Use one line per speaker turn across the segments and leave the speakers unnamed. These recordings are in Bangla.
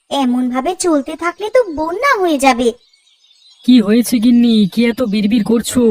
এমন ভাবে চলতে থাকলে তো বন্যা হয়ে যাবে।
কি হয়েছে গিন্নি, কি এত বিড়বিড় করছো?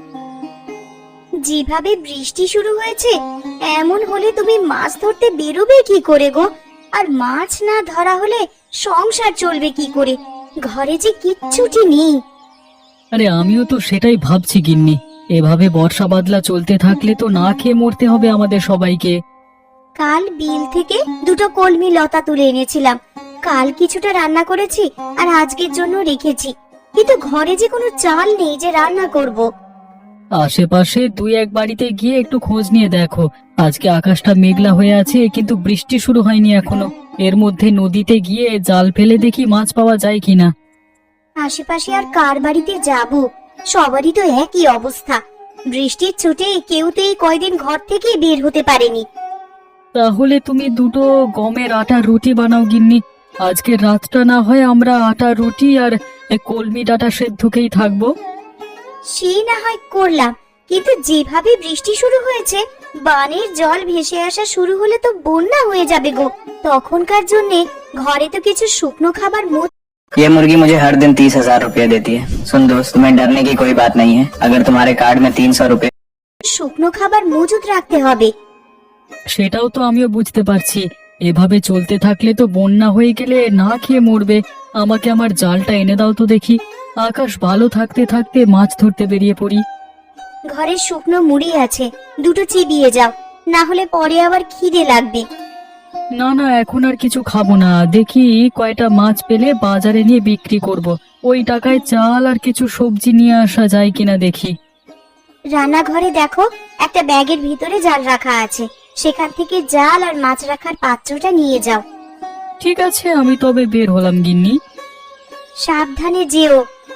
যেভাবে বৃষ্টি শুরু হয়েছে, এমন হলে তুমি মাছ ধরতে বেরোবে কি করে গো? আর মাছ না ধরা হলে সংসার চলবে কি করে? ঘরে যে কিচ্ছুটি নেই।
আরে আমিও তো সেটাই ভাবছি গিন্নি, এভাবে বর্ষা বাদলা চলতে থাকলে তো না খেয়ে মরতে হবে আমাদের সবাইকে।
কাল বিল থেকে দুটো কলমি লতা তুলে এনেছিলাম। কাল কিছুটা রান্না করেছি আর আজকের জন্য রেখেছি, কিন্তু ঘরে যে কোনো চাল নেই যে রান্না করব।
আশেপাশে দুই এক বাড়িতে গিয়ে একটু খোঁজ নিয়ে দেখো। আজকে আকাশটা মেঘলা হয়ে আছে, কিন্তু বৃষ্টি শুরু হয়নি এখনো। এর মধ্যে নদীতে গিয়ে জাল ফেলে দেখি মাছ পাওয়া যায় কিনা।
আশেপাশে আর কার বাড়িতে যাব? সবারই তো একই অবস্থা। বৃষ্টির ছুটে কেউ তো এই কয়দিন ঘর থেকে বের হতে পারেনি।
তাহলে তুমি দুটো গমের আটার রুটি বানাও গিন্নি। আজকে রাতটা না হয় আমরা আটার রুটি আর কলমি ডাঁটা সেদ্ধকেই থাকবো।
সে না হয় করলাম, কিন্তু যেভাবে বৃষ্টি শুরু হয়েছে, বানের জল ভেসে আসা শুরু হলে তো বন্যা হয়ে যাবে গো। তখনকার জন্য ঘরে তো কিছু শুকনো খাবার
ये मुर्गी मुझे हर दिन 30,000 रुपए देती है। सुन दोस्त, तुम्हें डरने की कोई बात नहीं है। अगर तुम्हारे कार्ड में 300 रुपए।
শুকনো খাবার মজুদ রাখতে হবে।
সেটাও তো আমিও বুঝতে পারছি। এভাবে চলতে থাকলে তো বন্যা হয়ে গেলে না খেয়ে মরবে। আমাকে আমার জালটা এনে দাও তো দেখি। আকাশ ভালো থাকতে থাকতে মাছ ধরতে বেরিয়ে পড়ি।
ঘরে শুকনো মুড়ি আছে, দুটো চিবিয়ে যাও, না হলে পরে আবার খিদে লাগবে।
না না, এখন আর কিছু খাবো না। দেখি কয়টা মাছ পেলে বাজারে নিয়ে বিক্রি করব। ওই টাকায় চাল আর কিছু সবজি নিয়ে আসা যায় কিনা দেখি।
রান্নাঘরে দেখো, একটা ব্যাগের ভিতরে জাল রাখা আছে, সেখান থেকে জাল আর মাছ রাখার পাত্রটা নিয়ে যাও।
ঠিক আছে, আমি তবে বের হলাম গিন্নি।
সাবধানে যেও।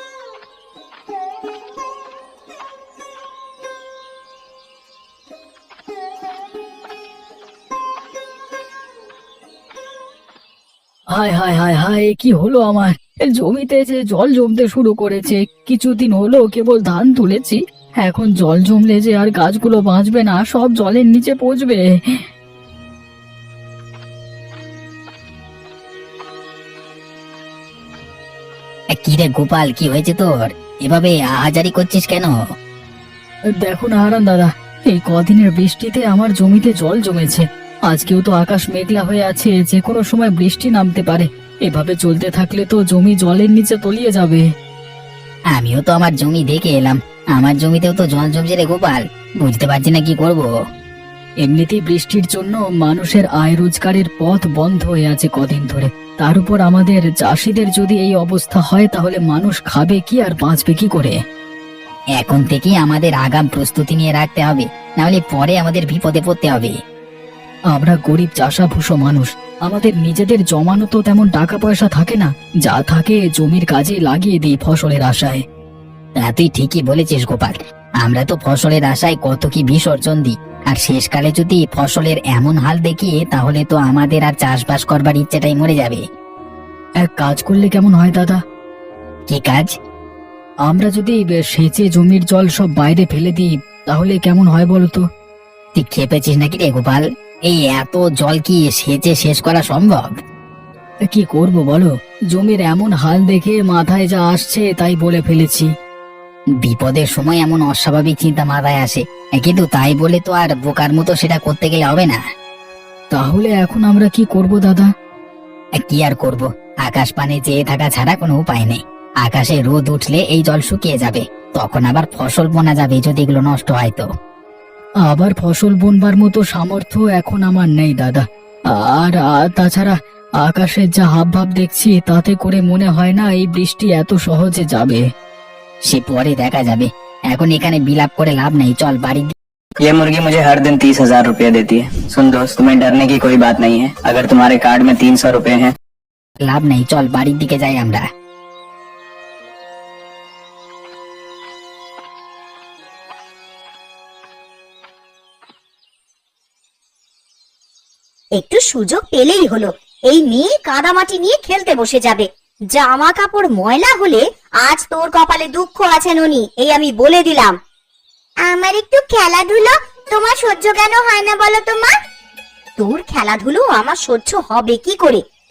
হায় হায় হায় হায়, এ কি হলো আমার? এ জমিতে যে জল জমতে শুরু করেছে। কিছুদিন হলো কেবল ধান তুলেছি, এখন জল জমলে যে আর গাছগুলো বাঁচবে না, সব জলের নিচে পচবে।
কি রে গোপাল, কি হয়েছে তোর? এভাবে আহাজারি করছিস কেন?
দেখো না হারান দাদা, এই কদিনের বৃষ্টিতে আমার জমিতে জল জমেছে। আজকেও তো আকাশ মেঘলা হয়ে আছে, যে কোনো সময় বৃষ্টি নামতে পারে। এভাবে চলতে থাকলে তো জমি জলের নিচে তলিয়ে যাবে।
আমিও তো আমার জমি দেখে এলাম, আমার জমিতেও তো জল জমছে রে গোপাল। বুঝতে পারছি না কি করব।
এমনিতেই বৃষ্টির জন্য মানুষের আয় রোজগারের পথ বন্ধ হয়ে আছে কদিন ধরে। তার উপর আমাদের চাষিদের যদি এই অবস্থা হয়, তাহলে মানুষ খাবে কি আর বাঁচবে কি করে?
এখন থেকেই আমাদের আগাম প্রস্তুতি নিয়ে রাখতে হবে, নাহলে পরে আমাদের বিপদে পড়তে হবে।
আমরা গরিব চাষাভুষো মানুষ, আমাদের নিজেদের জমানো তো তেমন টাকা পয়সা থাকে না। যা থাকে জমির কাজে লাগিয়ে দিই ফসলের আশায়।
তা তুই ঠিকই বলেছিস গোপাল, আমরা তো ফসলের আশায় কত কি বিসর্জন দিই। আর শেষকালে যদি ফসলের এমন হাল দেখি, তাহলে তো আমাদের আর চাষবাস করবার ইচ্ছেটাই মরে যাবে।
এক কাজ করলে কেমন হয় দাদা?
কি কাজ?
আমরা যদি সেচে জমির জল সব বাইরে ফেলে দিই, তাহলে কেমন হয় বলতো?
তুই খেপেছিস নাকি রে গোপাল? এই এত জল কি সেচে শেষ করা সম্ভব?
কি করব বলো, জমির এমন হাল দেখে মাথায় যা আসছে তাই বলে ফেলেছি।
বিপদের সময় এমন অস্বাভাবিক চিন্তা মাথায় আসে, কিন্তু তাই বলে তো আর বোকার মতো সেটা করতে গেলে হবে না।
তাহলে এখন আমরা কি করব দাদা?
কি আর করব, আকাশ পানে চেয়ে থাকা ছাড়া কোনো উপায় নেই। আকাশে রোদ উঠলে এই জল শুকিয়ে যাবে, তখন আবার ফসল বোনা যাবে যদি এগুলো নষ্ট হয় তো।
আবার ফসল বুনবার মতো সামর্থ্য এখন আমার নেই দাদা। আর তাছাড়া আকাশের যা হাবভাব দেখছি, তাতে করে মনে হয় না এই বৃষ্টি এত সহজে যাবে।
সে পরে দেখা যাবে, এখন এখানে বিলাপ করে লাভ নেই, চল বাড়ি।
ये मुर्गी मुझे हर दिन 30,000 रुपए देती है। सुन दोस्त, तुम्हें डरने की कोई बात नहीं है। अगर तुम्हारे कार्ड में 300 रुपए हैं।
লাভ নেই, চল বাড়ির দিকে যাই আমরা।
একটু সুযোগ পেলেই হলো, এই মেয়ে কাদামাটি নিয়ে খেলতে বসে যাবে। জামা কাপড় ময়লা হলে আজ তোর কপালে দুঃখ আছে ননি, এই আমি বলে দিলাম। আমার একটু খেলাধুলো তোমার সহ্য কেন হয় না বলো তো মা? তোর খেলাধুলো আমার সহ্য হবে কি করে?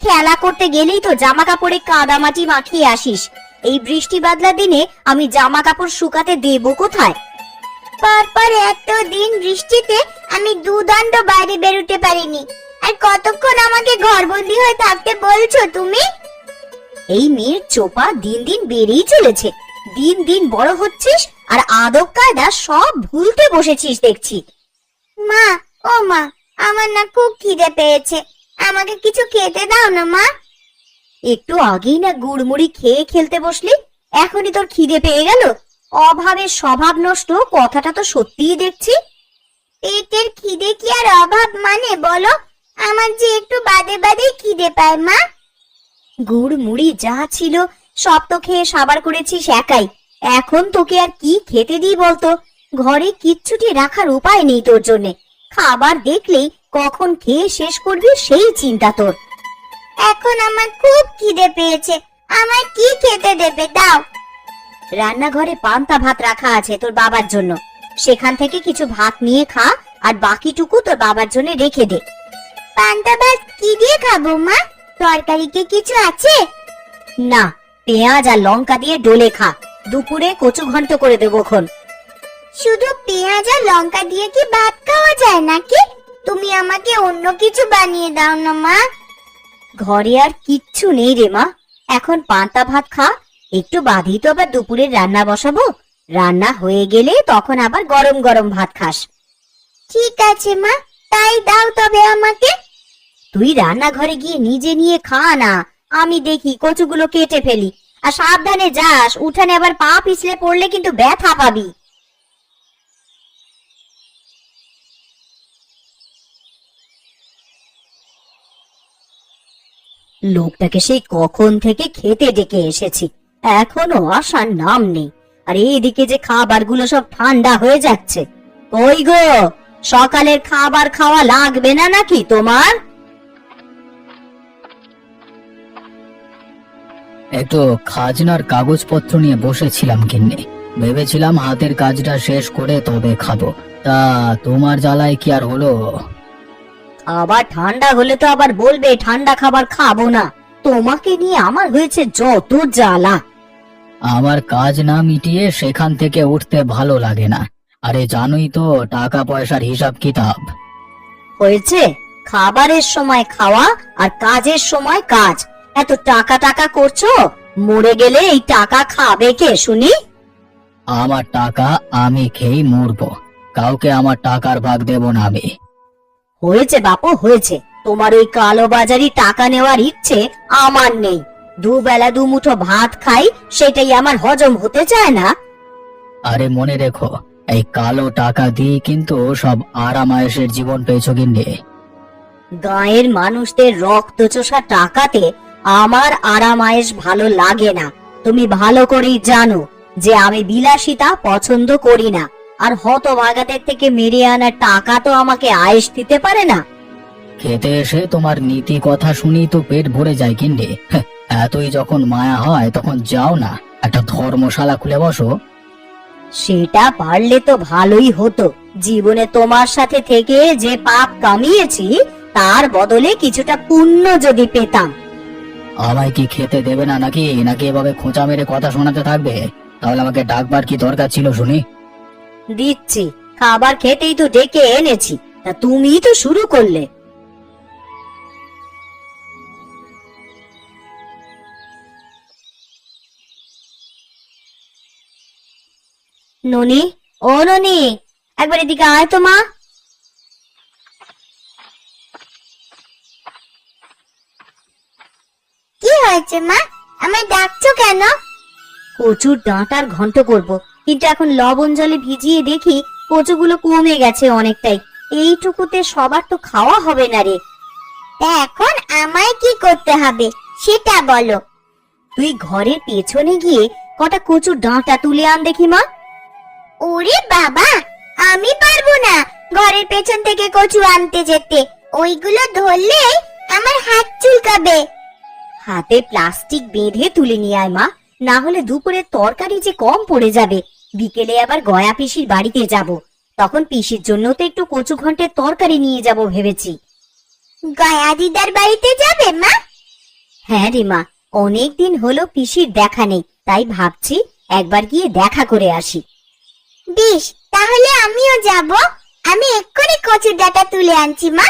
খেলা করতে গেলেই তো জামা কাপড়ে কাদামাটি মাখিয়ে আসিস। এই বৃষ্টি বাদলা দিনে আমি জামা কাপড় শুকাতে দেবো কোথায়? পরপর এতদিন বৃষ্টিতে আমি দুদণ্ড বাইরে বেরোতে পারিনি, আর কতক্ষণ আমাকে ঘরবন্দি হয়ে থাকতে বলছো তুমি? এই মেয়ের চোপা দিন দিন বেড়েই চলেছে। দিন দিন বড় হচ্ছিস আর আদব কায়দা সব ভুলতে বসেছিস দেখছি। মা, ও মা, আমার না খুব খিদে পেয়েছে, আমাকে কিছু খেতে দাও না মা। একটু আগেই না গুড়মুড়ি খেয়ে খেলতে বসলি, এখনই তোর খিদে পেয়ে গেল? অভাবের স্বভাব নষ্ট, কথাটা তো সত্যিই দেখছি। পেটের খিদে কি আর অভাব মানে বলো? আমার যে একটু বাদে বাদে খিদে পায় মা। গুড় মুড়ি যা ছিল সব তো খেয়ে সাবার করেছিস একাই, এখন তোকে আর কি খেতে দিই বলতো? ঘরে কিচ্ছুটি রাখার উপায় নেই তোর জন্যে। খাবার দেখলেই কখন খেয়ে শেষ করবি সেই চিন্তা তোর। এখন আমার খুব খিদে পেয়েছে, আমার কি খেতে দেবে দাও। রান্নাঘরে পান্তা ভাত রাখা আছে তোর বাবার জন্য, সেখান থেকে কিছু ভাত নিয়ে খা, আর বাকিটুকু তোর বাবার জন্য রেখে দে। পান্তা ভাত কি দিয়ে খাবো মা? তরকারি কি কিছু আছে? না, পেঁয়াজ আর লঙ্কা দিয়ে ডলে খা, দুপুরে কচু ঘন্ট করে দেবো খন। শুধু পেঁয়াজ আর লঙ্কা দিয়ে কি ভাত খাওয়া যায় নাকি? তুমি আমাকে অন্য কিছু বানিয়ে দাও না মা। ঘরে আর কিচ্ছু নেই রে মা, এখন পান্তা ভাত খা, একটু বাদেই তো আবার দুপুরের রান্না বসাবো। রান্না হয়ে গেলে তখন আবার গরম গরম ভাত খাস। ঠিক আছে মা, তাই দাও তবে আমাকে। তুই রান্নাঘরে গিয়ে নিজে নিয়ে খা না, আমি দেখি কচুগুলো কেটে ফেলি। আর সাবধানে যাস, উঠানে আবার পা পিছলে পড়লে কিন্তু ব্যথা পাবি। লোকটাকে সেই কখন থেকে খেতে ডেকে এসেছি, এখনো আসার নাম নেই। আর এইদিকে যে খাবারগুলো সব ঠান্ডা হয়ে যাচ্ছে। কই গো, সকালের খাবার খাওয়া লাগবে না নাকি তোমার?
একটু খাজনার কাগজপত্র নিয়ে বসেছিলাম কিন্নে, ভেবেছিলাম হাতের কাজটা শেষ করে তবে খাবো। তা তোমার জ্বালায় কি আর হলো?
আবার ঠান্ডা হলে তো আবার বলবে ঠান্ডা খাবার খাবো না। তোমাকে নিয়ে আমার হয়েছে যত জ্বালা।
আমার কাজ না মিটিয়ে সেখান থেকে উঠতে ভালো লাগে না। আরে জানোই তো টাকা পয়সার হিসাব কিতাব।
হয়েছে, খাবারের সময় খাওয়া আর কাজের সময় কাজ। এত টাকা টাকা করছো, মরে গেলে এই টাকা খাবে কে শুনি?
আমার টাকা আমি খেয়েই মরবো, কাউকে আমার টাকার ভাগ দেব না আমি।
হয়েছে বাপু, হয়েছে। তোমার ওই কালো বাজারি টাকা নেওয়ার ইচ্ছে আমার নেই। দুবেলা দুমুঠো ভাত খাই, সেটাই আমার হজম হতে চায় না।
আরে মনে রেখো, এই কালো টাকা দিয়ে কিন্তু সব আরামায়েশের জীবন পেয়েছো কিনে।
গাঁয়ের মানুষদের রক্ত চোষা টাকাতে আমার আরামায়েশ ভালো লাগে না। তুমি ভালো করেই জানো যে আমি বিলাসিতা পছন্দ করি না। আর হতভাগাদের থেকে মেরে আনা টাকা তো আমাকে আয়েশ দিতে পারে না।
খেতে এসে তোমার নীতি কথা শুনি তো পেট ভরে যায় কিনে। এতই যখন মায়া হয় তখন যাও না, একটা ধর্মশালা খুলে বসো।
সেটা পারলে তো ভালোই হতো। জীবনে তোমার সাথে থেকে যে পাপ কামিয়েছি, তার বদলে কিছুটা পুণ্য যদি পেতাম।
আমায় কি খেতে দেবে না নাকি নাকি এভাবে খোঁচা মেরে কথা শোনাতে থাকবে? তাহলে আমাকে ডাকবার কি দরকার ছিল শুনি?
দিচ্ছি, খাবার খেতেই তো ডেকে এনেছি, তা তুমি তো শুরু করলে। ননি, ও ননি, একবার এদিকে আয় তো মা। কি হয়েছে মা, আমায় ডাকছো কেন? কচুর ডাঁটার ঘন্ট করব, কিন্তু এখন লবণ জলে ভিজিয়ে দেখি কচুগুলো কমে গেছে অনেকটাই। এইটুকুতে সবার তো খাওয়া হবে না রে। তা এখন আমায় কি করতে হবে সেটা বলো। তুই ঘরের পেছনে গিয়ে কটা কচুর ডাঁটা তুলে আন দেখি মা। ওরে বাবা, আমি পারবো না ঘরের পেছন থেকে কচু আনতে যেতে। ওইগুলো ধরলে আমার হাত চুলকাবে। হাতে প্লাস্টিক বেঁধে তুলে নিয়ে আয় মা, না হলে দুপুরে তরকারি যে কম পড়ে যাবে। বিকেলে আবার গয়া পিসির বাড়িতে যাব, তখন পিসির জন্য তো একটু কচু ঘন্টের তরকারি নিয়ে যাব ভেবেছি। গয়া দিদার বাড়িতে যাবে মা? হ্যাঁ রে মা, অনেকদিন হলো পিসির দেখা নেই, তাই ভাবছি একবার গিয়ে দেখা করে আসি। বেশ, তাহলে আমিও যাব। আমি এক্ষুনি কচুর ডাঁটা তুলে আনছি মা।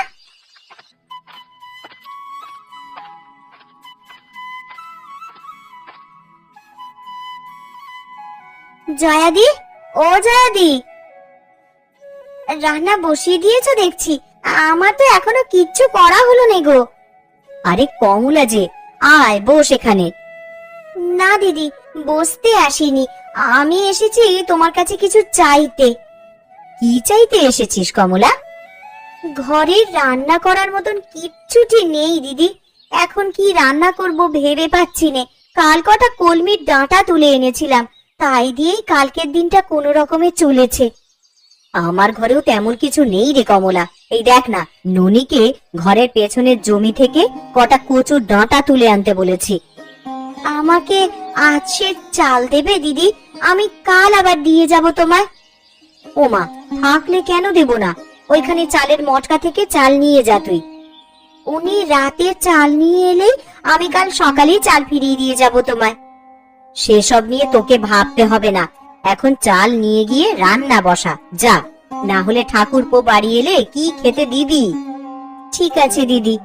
জয়াদি, ও জয়াদি, রান্না বসিয়ে দিয়েছো দেখছি। আমার তো এখনো কিচ্ছু করা হলো না গো। আরে কমলা যে, আয় বস এখানে। না দিদি, বসতে আসিনি, আমি এসেছি তোমার কাছে কিছু চাইতে। কি চাইতে এসেছিস কমলা? ঘরে রান্না করার মতন কিচ্ছুটি নেই দিদি। এখন কি রান্না করব ভেবে পাচ্ছি নে। কাল কটা কলমির ডাঁটা তুলে এনেছিলাম, তাই দিয়েই কালকের দিনটা কোনো রকমে চলেছে। আমার ঘরেও তেমন কিছু নেই রে কমলা। এই দেখ না, ননিকে ঘরের পেছনের জমি থেকে কটা কচুর ডাঁটা তুলে আনতে বলেছি। আমাকে আজ সে চাল দেবে দিদি? আমি কাল আবার দিয়ে যাব তোমায়। ওমা, থাকলে কেন দেব না? ওইখানে চালের মটকা থেকে চাল নিয়ে যা তুই। উনি রাতে চাল নিয়ে এলেই আমি কাল সকালেই চাল ফিরিয়ে দিয়ে যাব তোমায়। সেসব নিয়ে তোকে ভাবতে হবে না, এখন চাল নিয়ে গিয়ে রান্না বসা যা, না হলে ঠাকুরপো বাড়ি এলে কি খেতে দিবি? ঠিক আছে দিদি।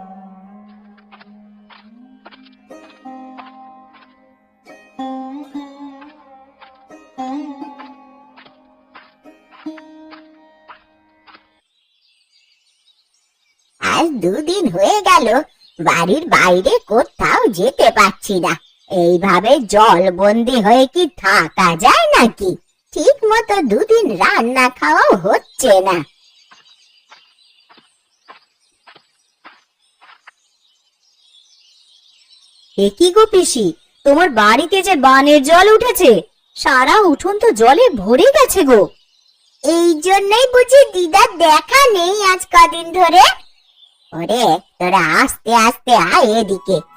আজ দুদিন হয়ে গেল বাড়ির বাইরে কোথাও যেতে পারছি না। এইভাবে জলবন্দি হয়ে কি থাকা যায় নাকি? ঠিক মতো দুদিন রান্না খাওয়াও হচ্ছে না। এ কি গো পিসি, তোমার বাড়িতে যে বানের জল উঠেছে, সারা উঠোন তো জলে ভরে গেছে গো। এই জন্যই বুঝি দিদার দেখা নেই আজ কদিন ধরে। ওরে তোরা আস্তে আস্তে আয় এদিকে,